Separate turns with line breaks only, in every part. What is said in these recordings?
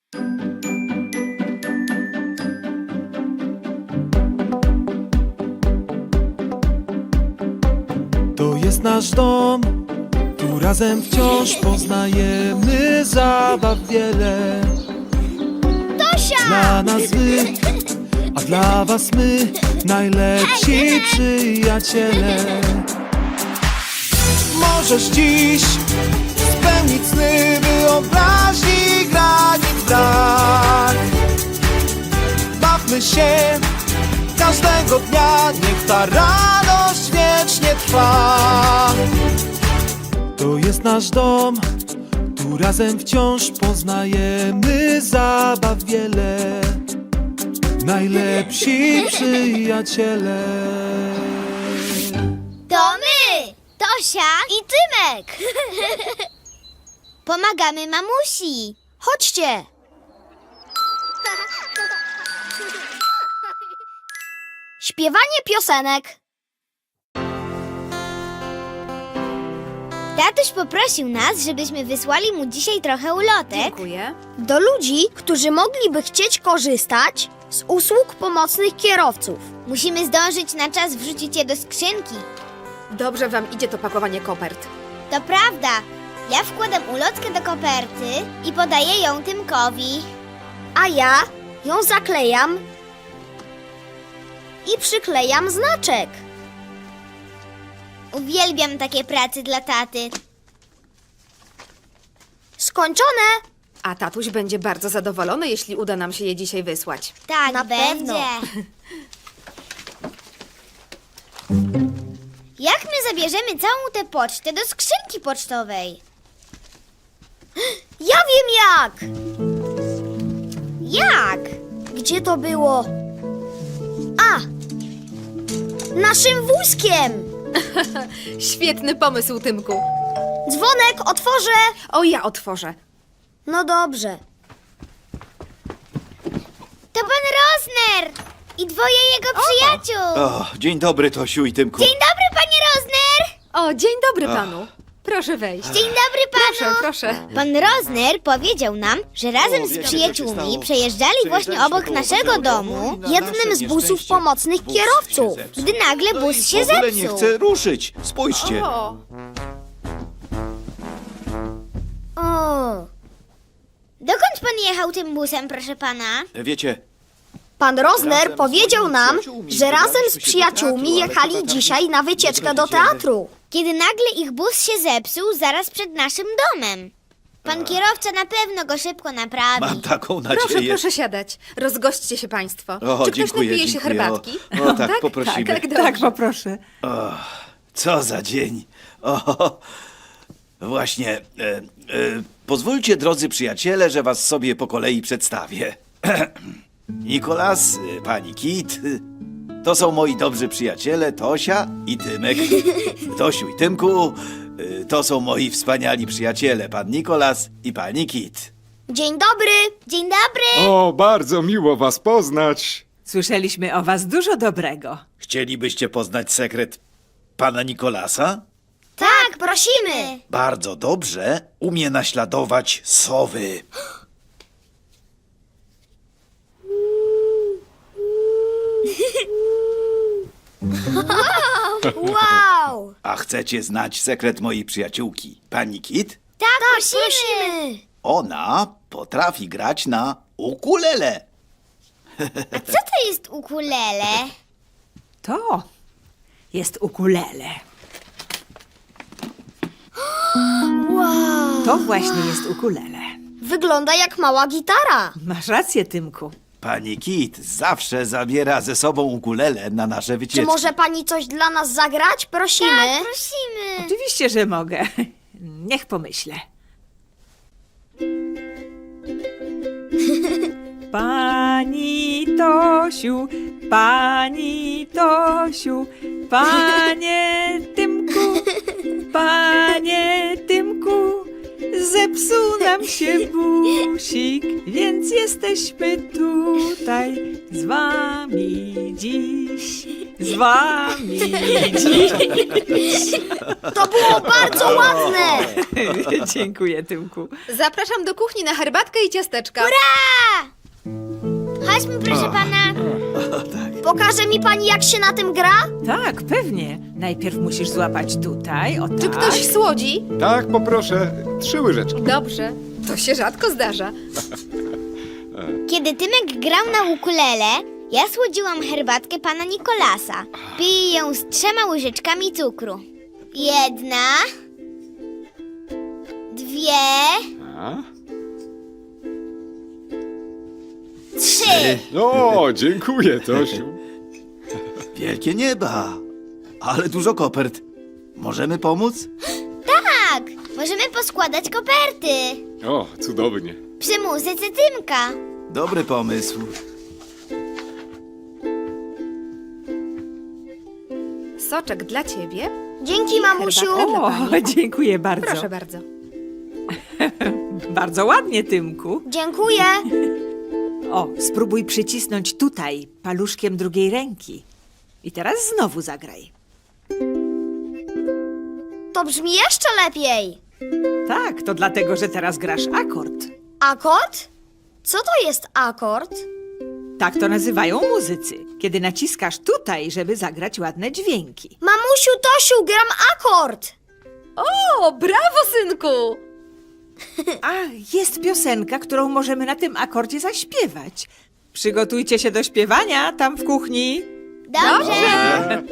To jest nasz dom, tu razem wciąż poznajemy zabaw wiele.
Tosia!
Dla nas wy, a dla was my, najlepsi przyjaciele. Możesz dziś spełnić sny, wyobraźni granic brak. Bawmy się każdego dnia, niech ta radość wiecznie trwa. To jest nasz dom, tu razem wciąż poznajemy zabaw wiele. Najlepsi przyjaciele.
To my! Tosia i Tymek! Pomagamy mamusi! Chodźcie! Śpiewanie piosenek. Tatuś poprosił nas, żebyśmy wysłali mu dzisiaj trochę ulotek.
Dziękuję.
Do ludzi, którzy mogliby chcieć korzystać z usług pomocnych kierowców. Musimy zdążyć na czas wrzucić je do skrzynki.
Dobrze wam idzie to pakowanie kopert.
To prawda. Ja wkładam ulotkę do koperty i podaję ją Tymkowi. A ja ją zaklejam i przyklejam znaczek. Uwielbiam takie prace dla taty. Skończone!
A tatuś będzie bardzo zadowolony, jeśli uda nam się je dzisiaj wysłać.
Tak,
Na
będzie.
pewno.
Jak my zabierzemy całą tę pocztę do skrzynki pocztowej? Ja wiem jak! Jak? Gdzie to było? A! Naszym wózkiem!
Świetny pomysł, Tymku.
Dzwonek, otworzę!
O, ja otworzę.
No dobrze. To pan Rosner i dwoje jego przyjaciół.
O, dzień dobry, Tosiu i Tymku.
Dzień dobry, panie Rosner!
O, dzień dobry panu. Proszę wejść.
Dzień dobry panu!
Proszę, proszę.
Pan Rosner powiedział nam, że razem z
wiecie, co się
przyjaciółmi
stało?
przejeżdżali właśnie
Przejeżdżaliśmy
obok
koło
naszego
waszego
domu
domu i na
jednym
nasze
z busów
nieszczęście
pomocnych
bus się
kierowców,
zepsuł.
gdy nagle
No
bus
i
się
w ogóle
zepsuł.
nie chce ruszyć. Spójrzcie.
O,
O. Dokąd pan jechał tym busem, proszę pana?
Wiecie,
Pan Rosner
Razem z
powiedział
moimi
nam,
przyjaciółmi
że razem
wybraliśmy
z
się do
przyjaciółmi
teatru, ale
jechali
chyba tam
dzisiaj na wycieczkę do
będziemy.
teatru.
Kiedy nagle ich bus się zepsuł zaraz przed naszym domem. Pan kierowca na pewno go szybko naprawi.
mam taką
proszę,
nadzieję.
proszę siadać. Rozgośćcie się państwo.
O,
Czy ktoś
dziękuję,
napije się
dziękuję.
herbatki?
O, tak, poprosimy.
Tak, dobrze.
Tak, poproszę.
Co za dzień. O, właśnie. Pozwólcie, drodzy przyjaciele, że was sobie po kolei przedstawię. Nikolas, pani Kit, to są moi dobrzy przyjaciele Tosia i Tymek. Tosiu i Tymku, to są moi wspaniali przyjaciele, pan Nikolas i pani Kit.
Dzień dobry!
Dzień dobry!
O, bardzo miło was poznać.
Słyszeliśmy o was dużo dobrego.
Chcielibyście poznać sekret pana Nikolasa?
Tak, prosimy!
Bardzo dobrze umie naśladować sowy.
Wow!
A chcecie znać sekret mojej przyjaciółki, pani Kit?
Tak,
Prosimy!
Ona potrafi grać na ukulele.
Co to jest ukulele?
To jest ukulele.
Wow!
To właśnie jest ukulele.
Wygląda jak mała gitara.
Masz rację, Tymku.
Pani Kit zawsze zabiera ze sobą ukulele na nasze
Czy
wycieczki.
może pani coś dla nas zagrać? Prosimy.
Tak, prosimy.
Oczywiście, że mogę. Niech pomyślę. Pani Tosiu, pani Tosiu, panie Tymku, zepsuł nam się busik, więc jesteśmy tutaj z wami dziś. Z wami dziś.
To było bardzo ładne!
Dziękuję, Tymku.
Zapraszam do kuchni na herbatkę i ciasteczka.
Chodźmy, proszę pana.
Pokaże mi pani, jak się na tym gra?
Tak, pewnie. Najpierw musisz złapać tutaj, o tak.
Czy ktoś słodzi?
Tak, poproszę. 3 łyżeczki.
Dobrze. To się rzadko zdarza.
Kiedy Tymek grał na ukulele, ja słodziłam herbatkę pana Nikolasa. Piję ją z 3 łyżeczkami cukru. 1, 2,
A?
3.
O, dziękuję, Tosiu.
Wielkie nieba, ale dużo kopert. Możemy pomóc?
Tak, możemy poskładać koperty.
O, cudownie.
Przy muzyce Tymka.
Dobry pomysł.
Soczek dla ciebie.
Dzięki, mamusiu.
Herbatka dla
O,
pani.
dziękuję bardzo.
Proszę bardzo.
Bardzo ładnie, Tymku.
Dziękuję.
O, spróbuj przycisnąć tutaj paluszkiem drugiej ręki. I teraz znowu zagraj.
To brzmi jeszcze lepiej.
Tak, to dlatego, że teraz grasz akord.
Akord? Co to jest akord?
Tak to nazywają muzycy, kiedy naciskasz tutaj, żeby zagrać ładne dźwięki.
Mamusiu, Tosiu, gram akord.
O, brawo, synku!
A, jest piosenka, którą możemy na tym akordzie zaśpiewać. Przygotujcie się do śpiewania tam w kuchni.
Dobrze.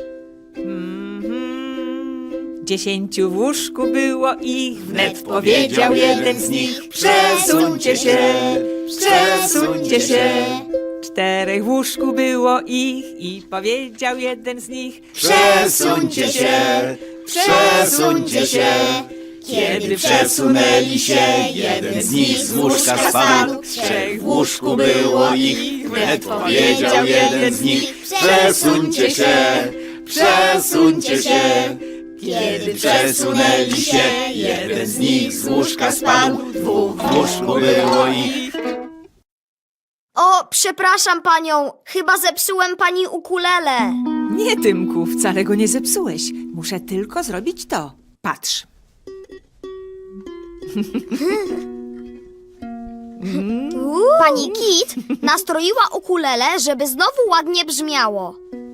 10 w łóżku było ich, wnet powiedział jeden z nich: przesuńcie się, przesuńcie się. 4 w łóżku było ich i powiedział jeden z nich:
Przesuńcie się, przesuńcie się. Kiedy przesunęli się, jeden z nich z łóżka spadł. 3 w łóżku było ich, wnet powiedział jeden z nich: przesuńcie się, przesuńcie się. Kiedy przesunęli się, jeden z nich z łóżka spadł. 2 w łóżku było ich.
O, przepraszam panią. Chyba zepsułem pani ukulele.
Nie, Tymku, wcale go nie zepsułeś. Muszę tylko zrobić to. Patrz.
Pani Kit nastroiła ukulele, żeby znowu ładnie brzmiało.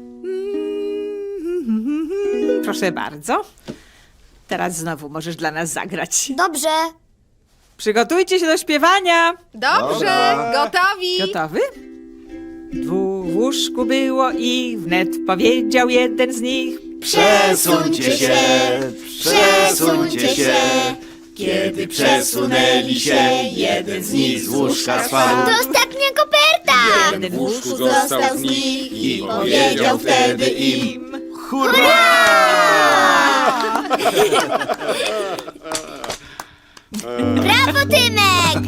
Proszę bardzo. Teraz znowu możesz dla nas zagrać.
Dobrze.
Przygotujcie się do śpiewania.
Dobrze, gotowi.
Gotowy? 2 w łóżku było i wnet powiedział jeden z nich:
Przesuńcie się, przesuńcie się. Kiedy przesunęli się, jeden z nich z łóżka spadł.
To ostatnia koperta.
jeden
W łóżku został z nich i powiedział wtedy im:
Brawo, Tymek.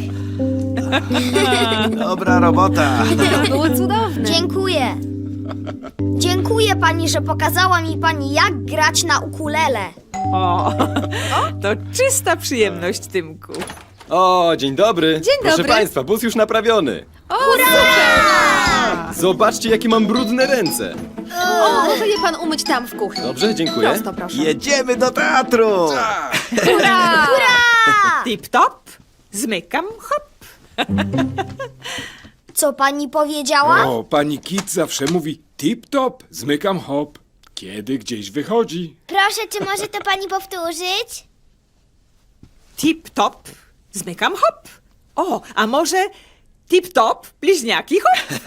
Dobra robota.
To było cudowne.
Dziękuję. Dziękuję pani, że pokazała mi pani, jak grać na ukulele.
O, to czysta przyjemność, Tymku.
O, dzień dobry.
Dzień
Proszę
dobry.
Państwa, bus już naprawiony.
O, super!
Zobaczcie, jakie mam brudne ręce.
O, może je pan umyć tam w kuchni.
Dobrze, dziękuję.
Prosto, proszę.
Jedziemy do teatru.
Hurra!
Tip-top, zmykam, hop.
Co pani powiedziała?
O, pani Kit zawsze mówi tip-top, zmykam hop, kiedy gdzieś wychodzi.
Proszę, czy może to pani powtórzyć?
Tip-top, zmykam, hop. O, a może tip-top, bliźniaki, hop.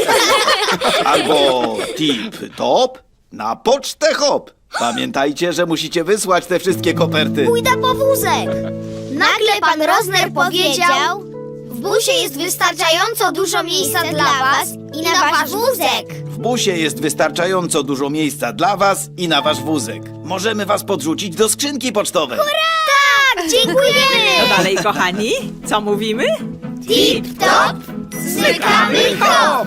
Albo tip-top na pocztę hop. Pamiętajcie, że musicie wysłać te wszystkie koperty.
Pójdę po wózek. Nagle pan Rozner powiedział:
w busie jest wystarczająco dużo miejsca dla was i na wasz wózek.
W busie jest wystarczająco dużo miejsca dla was i na wasz wózek. Możemy was podrzucić do skrzynki pocztowej.
Tak, dziękujemy.
To dalej, kochani, co mówimy?
Tip-top, zmykamy hop.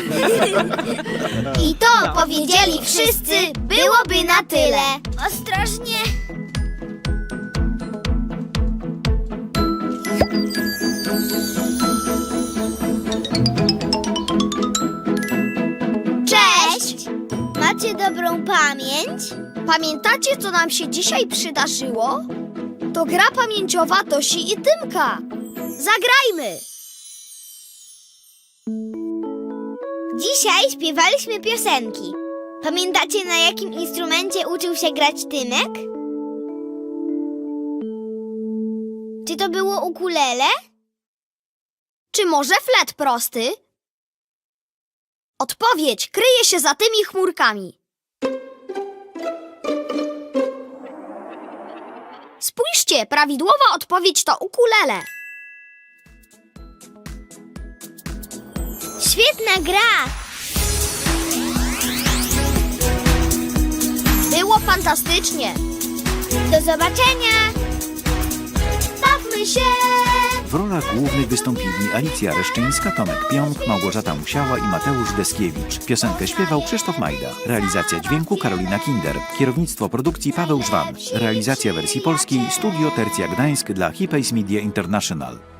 I to powiedzieli wszyscy, byłoby na tyle. Ostrożnie. Cześć! Macie dobrą pamięć?
Pamiętacie, co nam się dzisiaj przydarzyło? To gra pamięciowa Tosi i Tymka. Zagrajmy!
Dzisiaj śpiewaliśmy piosenki. Pamiętacie, na jakim instrumencie uczył się grać Tymek? Czy to było ukulele?
Czy może flet prosty? Odpowiedź kryje się za tymi chmurkami. Spójrzcie, prawidłowa odpowiedź to ukulele.
Świetna gra!
Było fantastycznie.
Do zobaczenia!
Bawmy się!
W rolach głównych wystąpili Alicja Reszczyńska, Tomek Pionk, Małgorzata Musiała i Mateusz Deskiewicz. Piosenkę śpiewał Krzysztof Majda. Realizacja dźwięku Karolina Kinder. Kierownictwo produkcji Paweł Żwan. Realizacja wersji polskiej Studio Tercja Gdańsk dla Hipays Media International.